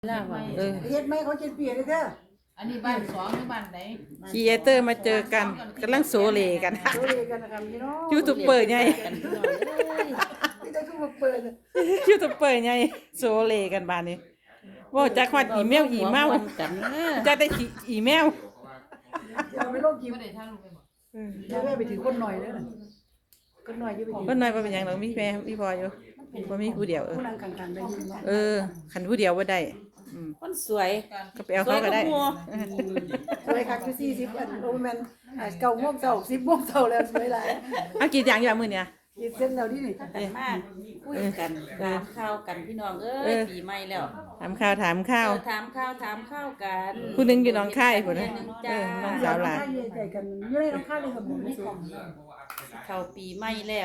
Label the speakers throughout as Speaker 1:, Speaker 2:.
Speaker 1: ล่าว่า
Speaker 2: เฮ็ดไหมเขาเจ็ดปีเลยเด้อ
Speaker 3: อันนี้บ้านสองหรือบ้านไหน
Speaker 1: ครีเอเตอร์มาเจอกันกำลังโซเลกัน
Speaker 2: ดูเลยกันนะครับพี่น้อง
Speaker 1: ยูทูบเบอร์ไง
Speaker 2: นี่จะทุกเปิด
Speaker 1: ยูทูบเบอร์ไงโซเลกันบ้านนี้ว่าจากฮอดอีเมลกันจะได้อีเมล
Speaker 2: อย่าไปลงกิน
Speaker 3: ไม่ได้ทางลูกไปบอก
Speaker 2: อย่าแม่ไปถือคนหน่อยเด้อคนหน่อยจะไปถือ
Speaker 1: คนน้อยบ่เป็นหยังหรอกมีแม่มีพ่ออยู่บ่มีผู้เดียว
Speaker 2: ผู้นั่งกลางๆได้ยินเนาะ
Speaker 1: คันผู้เดียวบ่ได้
Speaker 4: คนสวย
Speaker 1: ก็ไปเอาเขาก็ได้
Speaker 2: สวยคักคือ40อันโอ้แม่น9 โมงเช้า10 โมงเช้าแล้วสวยหลาย
Speaker 1: เอากี่อย่างอยู่มื้อเนี่ย
Speaker 2: กินเส้นแล้วนี่
Speaker 4: มากคุยกันถามข้าวกันพี่น้องปีใหม่แล้ว
Speaker 1: ถามข้าว
Speaker 4: ถามข้าวกัน
Speaker 1: ผู้นึงอยู่หนองคายพุ่นน้องสาวหลาน
Speaker 2: ใจกันอยู่ในน้ำข้าวเลยครับผมไม่ส่ง
Speaker 4: เข้าปีใหม่แล้ว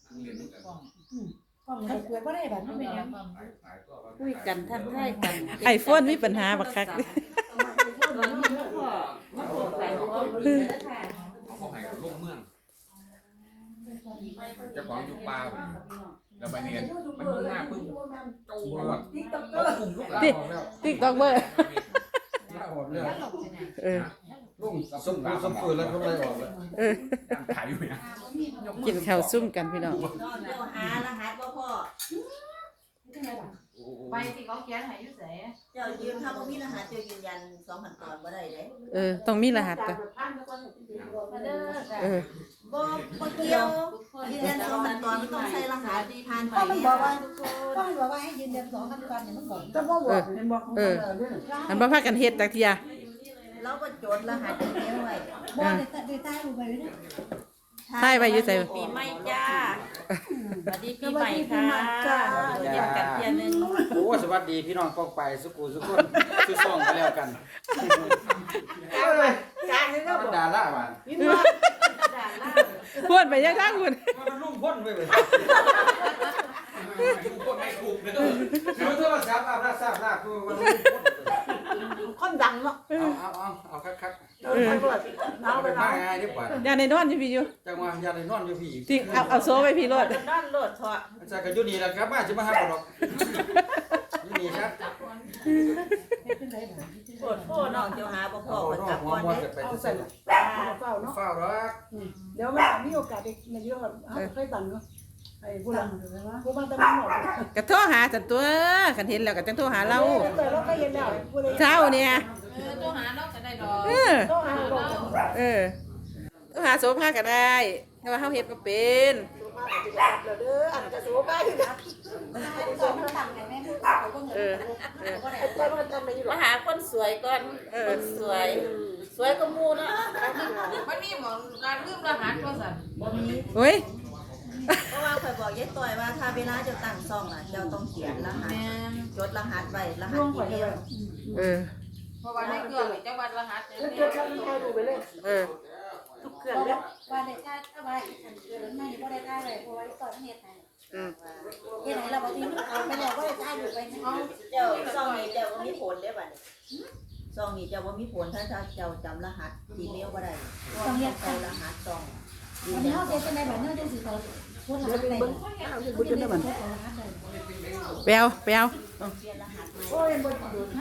Speaker 2: กล้องใครเปิดบ่ได้บัดนี้แม่
Speaker 4: คุยกันทักทายกัน
Speaker 1: iPhone มีปัญหาบักคัก
Speaker 4: ตอนนี้มาพบกันปีแล้วค่ะ
Speaker 5: เขาให้กับลูกเมืองเจ้าของอยู่ป่าแล้วไปเรียนมันมุ่งหน้าพึ่งโจ้วดเขากลุ่มลูกหลานออกแล้ว
Speaker 1: TikTok เบอร์
Speaker 5: ลาออกแล้ว
Speaker 6: ลุงส้มส้มฟืนแล้วเขาไล่ออกแล้ว
Speaker 5: ถ่ายอยู่เนี่ย
Speaker 1: กินข้าวซุ่มกันพี่น้อง
Speaker 4: นอนเดี๋ยวหารหัสบ่พ่อ
Speaker 3: ไปที่เขาเขียนให้ยุ่เส
Speaker 4: เจ้ายืนถ้าบ่มีรหัสเจ้ายืนยัน2,000 ตอนบ่ได้เด้
Speaker 1: ต้องมีรหัสก่อน
Speaker 4: บ่เกี่ยวยืนยัน2,000 ตอนมันต้องใช้รหัสผ่านไป
Speaker 2: มันบอกว่าให้ยืนยัน2 ขั้นตอนเนี่ยมันบอกแต่บ่บอกเห็นบอก
Speaker 1: อันบ่พากันเฮ็ดจักเที่ย
Speaker 4: เราก็จดรหัสอีเมลไว้
Speaker 2: บ่ได้ใต้รูปไว้เนี่ย
Speaker 1: ใช่ไว้อยู่ไส
Speaker 4: ปีใหม่จ้าสวัสดีปีใหม่ค่ะเยี่ยมกันเที่ยนึง
Speaker 6: โอ้สวัสดีพี่น้องกองไปสุกูสุกคนสุซ่องกันแล้วกัน
Speaker 2: การให้เรา
Speaker 6: มัน
Speaker 2: บอก
Speaker 6: ด่าละบ้าน
Speaker 1: พูดไปยังทางคุณ
Speaker 6: มันลุ่มพ้นไปเลย
Speaker 5: ทุกคนไม่ถูกเลย
Speaker 6: คือโทรศัพท์อาบน้ำสาบน้าคือมันลุ่มพ้น
Speaker 2: คนดังเนาะ
Speaker 6: เอาคัก
Speaker 2: ไปบ่น้าไป
Speaker 6: ๆ
Speaker 2: น้า
Speaker 6: มาง่ายดีกว่า
Speaker 1: อย่าในนอนอยู่พี่อยู่
Speaker 6: จังว่าอย่าได้นอนอยู่พี่
Speaker 1: จริงเอาโซไปพี่รถ
Speaker 4: นั่นโลดเถอะ
Speaker 6: มันจะกันอยู่นี่แหละครับบ้านจะมาหาบ่ดอกอยู่นี่ครับ
Speaker 4: โคตรโคน้องเจ้าหาบ่พอ
Speaker 6: เอา
Speaker 4: ก็
Speaker 6: น้อง
Speaker 4: กลับ
Speaker 6: หัว
Speaker 4: ก่อน
Speaker 6: มอ
Speaker 4: เด้
Speaker 6: จะไป
Speaker 2: เอา
Speaker 6: จะ
Speaker 2: ใส่
Speaker 6: ใส่
Speaker 2: เฝ้าเนาะ
Speaker 6: เฝ้ารัก
Speaker 2: เดี๋ยวมันมีโอกาสอีกในเรื่องเคยตังเนาะไอ้ผู้หลังผู้บ้านตะมันหมด
Speaker 1: ก็โทรหาสันตัวคันเห็นแล้วก็จังโทรหาเรา
Speaker 2: แต่เราก็เห็นแล้วผู้ใด
Speaker 1: เช้าเนี่ย
Speaker 3: ตัวหาเราก็ได้ดอก
Speaker 2: ต้องหาบอก
Speaker 1: โทรหาโซภาก็ได้แต่ว่าเฮาเฮ็ดบ่เป็น
Speaker 2: เด้ออันจะสู้ไปนะแต่ว่าทำไม่อยู่หร
Speaker 4: มา
Speaker 2: อก
Speaker 4: หาคนสวยก่อนคนสวยสวยก็มูเนาะ
Speaker 3: มันมีหมองการลืมรหัสว่าสั่น
Speaker 1: โอ้ย
Speaker 4: เพราะว่าข่อยบอกยายต่อยว่าถ้าเวลาเจ้าตั้งซ่องน่ะเจ้าต้องเขียนรหัส
Speaker 3: แม่น
Speaker 4: จดรหัสไว้รหัสอีเมล
Speaker 3: เพราะว่าในเครื่องจังหวัดรหัสเนี่ย
Speaker 2: เกิดการให้ดูไปเลย
Speaker 4: ทุกเครื่องแล้ว
Speaker 7: ว่าได้ค่าถ้าว่าฉันเกิดไม่บ่ได้ค่าเลยเพราะว่าต่อเฮ็ดให้เฮ็ดให้เราบางทีมันเอาไปแล้วบ่ได้ค่าอยู่ไปนะ
Speaker 4: เจ้าซ่องนี้เจ้าบ่มีผลเด้บัดนี้ซ่องนี้เจ้าบ่มีผลถ้าเจ้าจำรหัสอีเมลบ่ได้ต้องเฮ็ดเอารหัสซ่อง
Speaker 7: วันนี้เฮาเฮ็ดจังได๋บัดนี้จังสิเขาพูดหาได้
Speaker 2: บุญจนได้มัน
Speaker 1: ไปเอา
Speaker 4: เปลี่ยนรหัส
Speaker 2: โอ้ยบุญดูนะ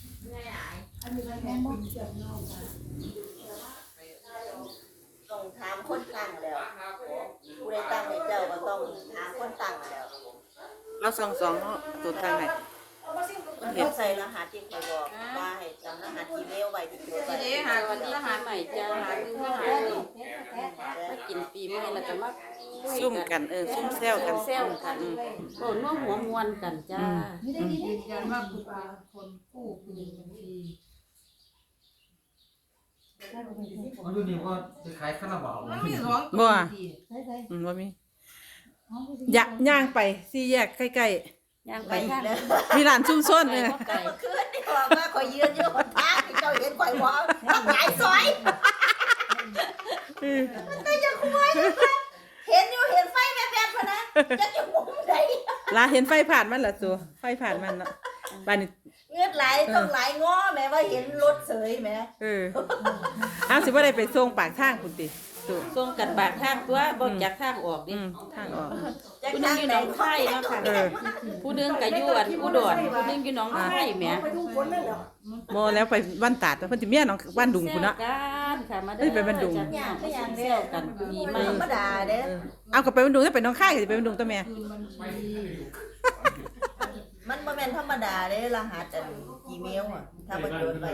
Speaker 4: ต้องถามคนตั้งแล้วผู้ใดตั้งให้เจ้าก็ต้องหาคนตั้งแล้ว
Speaker 1: เราสองเนาะตัวทางไหน
Speaker 4: เขาใส่รหัสที่เขาบอกว่าให้จำรหัสอีเมลไว้ที่ตัว
Speaker 3: ทีนี้หาวันรหัสใหม่จะหาคือรหัส
Speaker 4: มากินปีใหม่แล้วก็มา
Speaker 1: ซุ่มกันซุ่มแซวกัน
Speaker 4: แซวกันโอ้น้องหัวมวนกันจ้า
Speaker 3: ยืนยันว่าคุณเป็นคนกู้คืนบัญชี
Speaker 6: มันอยู่นี่ว่าจะขายคาราบาว
Speaker 3: มันมีสองตัวที่
Speaker 1: บ่มีย่างไปสี่แยกใกล้
Speaker 4: ย่างไปทางแล้ว
Speaker 1: ๆมีร้านซุ่มซ่น
Speaker 4: เมื่อคืนนี่บอกว่าข่อยยืนอยู่บนทางที่เจ้าเห็นข่อยว่าต้องหายซอยแต่จะคุยเห็นอยู่เห็นไฟแวบๆพะนะจะมุมใด
Speaker 1: ลาเห็นไฟผ่านมันล่ะตัวไฟผ่านมันเนาะบ้านนี้
Speaker 4: เงือดไหลต้องไหลง้อแม่ว่าเห็นรถเสยแม่
Speaker 1: เอาสิบ่ได้ไปส่งปากทางพุ่นติตู้
Speaker 8: ส่งกันบากทางตัวบ่จากทางออกดิ
Speaker 1: ทางออก
Speaker 8: ผู้หนึงอยู่หนองคายเนาะค่ะผู้หนึงก็อยู่อันอุดรผู้หนึงอยู่หนองคายแหม
Speaker 2: ไปทุ่งฝนเลยเหรอ
Speaker 1: บ่แล้วไปบ้านตาดแต่เพิ่นสิเมียน้องบ้านดุงพุ่นเนาะ
Speaker 8: แซวกันค่ะมา
Speaker 1: เอ้ยไปบ้านดุง
Speaker 8: จัดอย่างก็อย่างแซวกันปีใหม่
Speaker 4: ธรรมดาเด้
Speaker 1: เอาก็ไปบ้านดุงถ้าไปน้องค่ายก็สิไปบ้านดุงตัวแม่
Speaker 4: มันบ่แม่นธรรมดาเด้รหัสอันอีเมลอ่ะถ้าบ่โดนไป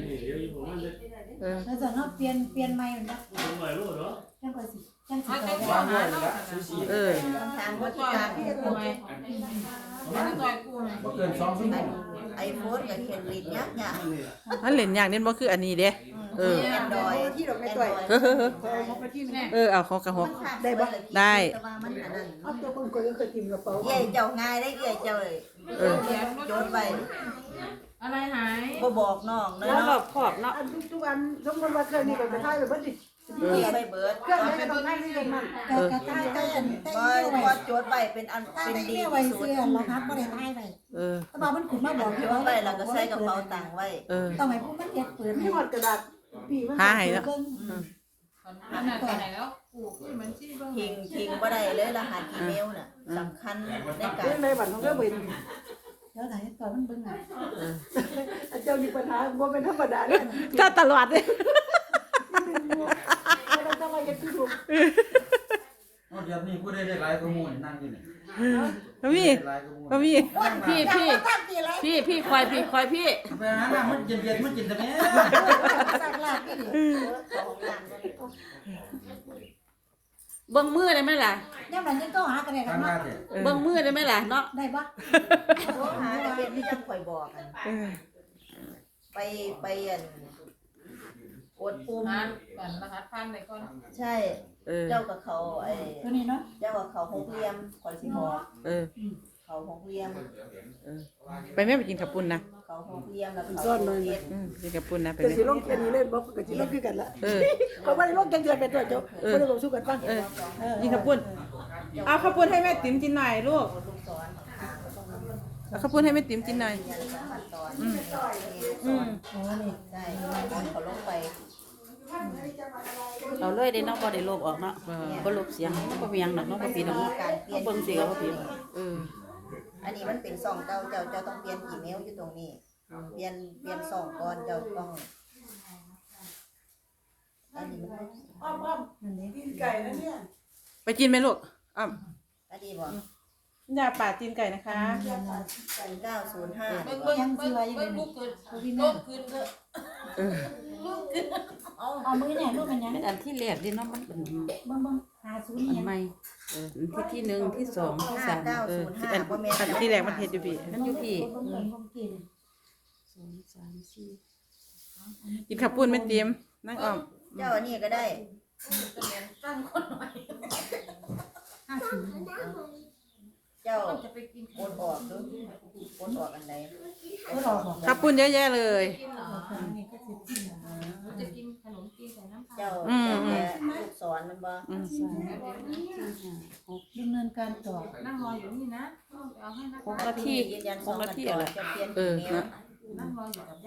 Speaker 7: แล้วจะเนาะเปลี่ยนใหม่นะจังก็สิจังสิ
Speaker 3: เอา
Speaker 7: ไป
Speaker 3: แต่
Speaker 7: ได้
Speaker 3: หัวหาเนาะ
Speaker 4: ทางบ่ติ
Speaker 3: ต่
Speaker 4: ด
Speaker 3: อย
Speaker 4: ตาม
Speaker 3: กูไหมต่อยกูไหม
Speaker 6: บ่เกิน2ชั่วโมง
Speaker 4: ไอโฟนกับเขียนลิดยาก
Speaker 1: อันเล่นอย่างนี้บ่คืออันนี้เด้เออ
Speaker 4: แอนดรอย
Speaker 2: ที่ดอกไม้ต่อย
Speaker 1: เฮ้อ
Speaker 2: เอาไปที่นี่
Speaker 1: เอาเขากระหก
Speaker 4: ได้บ่
Speaker 1: ได้
Speaker 4: มันอันนั้น
Speaker 2: เอาตัวคนก็เคยกินกระเป๋า
Speaker 4: เย่เจ้าง่ายได้เย่เจ้าเลย โยนไป
Speaker 3: อะไรหาย
Speaker 4: บ่บอกน้องเน
Speaker 8: แล้วรอ
Speaker 4: าะ
Speaker 8: บขอบเนาะ
Speaker 2: อันทุกอันสมมติว่าเคยนี่ไปถ่ายไปเบิดดิ
Speaker 4: ไปเบิด
Speaker 2: เครื่องนี้ก็ต้องถ่ายที่มัน
Speaker 7: กระต่ายได้อันได้
Speaker 4: พอ
Speaker 7: เที่ยว
Speaker 4: พอ
Speaker 7: ไว้
Speaker 4: โจทย์ไปเป็นอัน
Speaker 7: ถ้า
Speaker 4: เป็น
Speaker 7: ได้
Speaker 4: ดี
Speaker 7: เที่ยวไว้
Speaker 4: ที่สุด
Speaker 7: เสื้อรหัสบ่ได้ถ่ายไว้ ถ้าบอกมันขึ้นมาบอก
Speaker 4: โจทย์ไปแล้วก็ใส่กระเป๋าตังค์ไว้
Speaker 7: ต้องให้ผู้มันเฮ็ดเปิด
Speaker 2: ที่หมดกระดาษปีมัน
Speaker 1: หาให้เนาะ
Speaker 7: เบิ่ง
Speaker 3: อันนั้นไปไหนแล้วกูขึ้นมันชี้บ้าง
Speaker 4: ทิ้งบ่ได้เลยรหัสอีเมลน่ะสำคัญในการ
Speaker 2: เรื่องในบัตรของก็เป็น
Speaker 7: เดี๋ยวไหนตอนมันเบิ่งอ่ะ
Speaker 2: เจ้ามีปัญหาบ่เป็นธรรมดาเลย
Speaker 1: ถ้าตลอดเลย
Speaker 2: ไม่ต้องจะมาเย็ดที่ถูก
Speaker 6: เดี๋ยวนี้ผู้ใดได้หลายข้อมูลนั่งอยู่นี่
Speaker 1: พี่
Speaker 6: หลายข้อมูล
Speaker 1: พี่
Speaker 8: พี่คอยพี่
Speaker 6: ไปหาน้ำมันเย็นๆมันกินแต่แม่
Speaker 7: สักลาบนี่
Speaker 8: เบิ่งมือได้ไหมล่ะ
Speaker 7: ยามนั้นยังก็หากันได้
Speaker 6: ทางมา
Speaker 7: เนาะ
Speaker 6: เถอะ
Speaker 8: เบิ่งมือได้ไหมล่ะเนาะ
Speaker 7: ได้บ่
Speaker 4: โทรหาแต่เป็นที่จังข่อยบอกกันไปอันกดปุ่ม
Speaker 3: งานก่อนรหัสพันไหนก่อน
Speaker 4: ใช่ เจ้ากับเขาไอ้
Speaker 7: ตัวนี้เนาะ
Speaker 4: เจ้ากับเขาหกเหลี่ยมข่อยสิบอก เขาหกเหลี่ยม
Speaker 1: ไปแม่ไปกินขับปุ่นนะ
Speaker 4: เขาหกเหลี่ยมแล้วเขาเฮ็ด
Speaker 1: กินขับปุ่นนะไป
Speaker 2: จะ
Speaker 1: แม่
Speaker 2: สิลงแค่นี้เล่นบ่ก็สิลงคือกันละ
Speaker 1: เออ
Speaker 2: เพราะว่าลงจังเดือนเป็นตัวเจ้าบ่ได้บอกสู้กันฟัง
Speaker 1: กินขับปุ่นเอาขับปุ่นให้แม่ติ๋มกินหน่อยลูก
Speaker 4: ลูกศร
Speaker 1: เอาขับปุ่นให้แม่ติ๋มกินหน่อย
Speaker 4: ยันสามขั้นตอน
Speaker 7: โอ้นี่
Speaker 4: ใช่เขาลงไป
Speaker 8: เอาเลยได้เนาะบ่ได้ลบออกเนาะบ่ลบเสียงบ่มีหยังดอกเนาะบ่ปีดอก
Speaker 4: มี
Speaker 8: เนาะ
Speaker 4: การเปลี่ยน
Speaker 8: เบิ่งสิก็บ่ปี
Speaker 4: อันนี้มันเป็นซองเก่าเจ้าต้องเปลี่ยนอีเมลอยู่ตรงนี้ เปลี่ยนซองก่อนเจ้าต้องอันนี้มัน
Speaker 2: อ้อมๆกินไก่นะเนี่ย
Speaker 1: ไปกินไหมลูกอ้าว
Speaker 4: อันนี้บ่
Speaker 1: ยาป่าจีนไก่นะคะ
Speaker 4: 905
Speaker 3: เบิ่งลูกเกิดลูกขึ้นเถอะ
Speaker 7: เอามือเนี่ยรูปมันยัง
Speaker 8: เป็นอันที่แรกดิเนาะมันเป็น
Speaker 7: เบิ่งหาศูนย์
Speaker 8: อัน
Speaker 7: ยัง
Speaker 8: ใหม่ที่หนึ่งที่สองที่สาม
Speaker 1: อัน
Speaker 4: 5905บ่แม่น
Speaker 1: อันที่แรกมันเฮ็ดอยู่พี่
Speaker 8: มันอยู่พี่
Speaker 7: เบิ่งกิน
Speaker 8: 2 3 4
Speaker 1: กินขับปุ่นแม่ติ๋มนั่งอ้อม
Speaker 4: เจ้าอันนี้ก็ได้
Speaker 3: ตั้งคนหน่อย
Speaker 4: เจ้า
Speaker 3: จะไปกิน
Speaker 4: โอนออกดูโอนออกอันไหน
Speaker 7: ก็รอบอก
Speaker 1: ขับปุ่นเยอะแยะเลย
Speaker 3: กินเหรอจะกินขนมจีนใส่น้ำตาล
Speaker 4: เจ้าแค่ลูกศรมันบ่
Speaker 7: ดำเนินการต่อ
Speaker 3: นั่งรออยู่นี่นะเอาให้นะ
Speaker 8: 6 นาที
Speaker 4: ยืนยัน
Speaker 8: 6 นาทีอะไร
Speaker 4: จะเปลี่ยน
Speaker 1: เออ
Speaker 4: อีเมล
Speaker 3: นั่งรออยู่กับ